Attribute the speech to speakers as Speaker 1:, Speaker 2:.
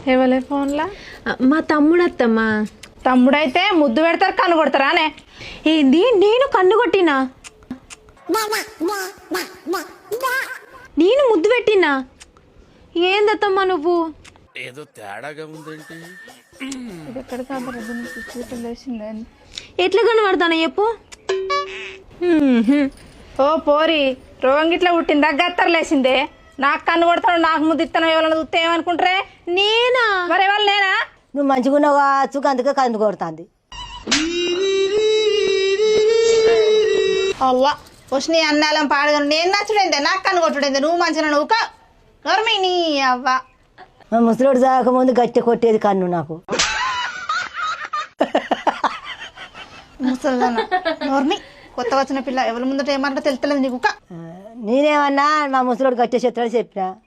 Speaker 1: ఎవలే ఫోన్లా?
Speaker 2: మా తమ్ముడు అత్తమ్మా.
Speaker 1: తమ్ముడైతే ముద్దు పెడతారు కన్ను కొడతారా అనే?
Speaker 2: ఏంది నేను కన్ను కొట్టినా? నేను ముద్దు పెట్టినా? ఏందత్తమ్మా నువ్వు?
Speaker 3: ఏదో తేడాగా ఉందేంటి?
Speaker 1: ఇది ఎక్కడ కాబట్లేసిందే.
Speaker 2: ఎట్లా కనబడతాను చెప్పు?
Speaker 1: ఓ పోరి, రోగం గిట్లా పుట్టిందా గత్తరలేసిందే? నాకు కన్ను కొడతాడు, నాకు ముద్దు ఇస్తాను, ఎవరైనా చూస్తే ఏమనుకుంటారే?
Speaker 2: నేనా?
Speaker 1: మరి ఎవరు నేనా?
Speaker 4: నువ్వు మంచిగా ఉన్నావు కావచ్చు, అందుకే కందు కొడుతుంది.
Speaker 1: అవ్వ వచ్చి అన్నాలం పాడగాను నేను నచ్చుడైందే, నాకు కన్ను కొట్టుడైందే, నువ్వు మంచిగా నువ్వు నోర్మి నీ అవ్వ.
Speaker 4: మా ముసలోడు సాగకముందు గట్టి కొట్టేది కన్ను నాకు.
Speaker 1: ముసలిదానా నోర్మి, కొత్త వచ్చిన పిల్ల ఎవరి ముందట ఏమంటే తెలుస్తలేదు నీకు.
Speaker 4: నేనేమన్నా మా ముసలోడు గట్టి చెత్తని చెప్పినా.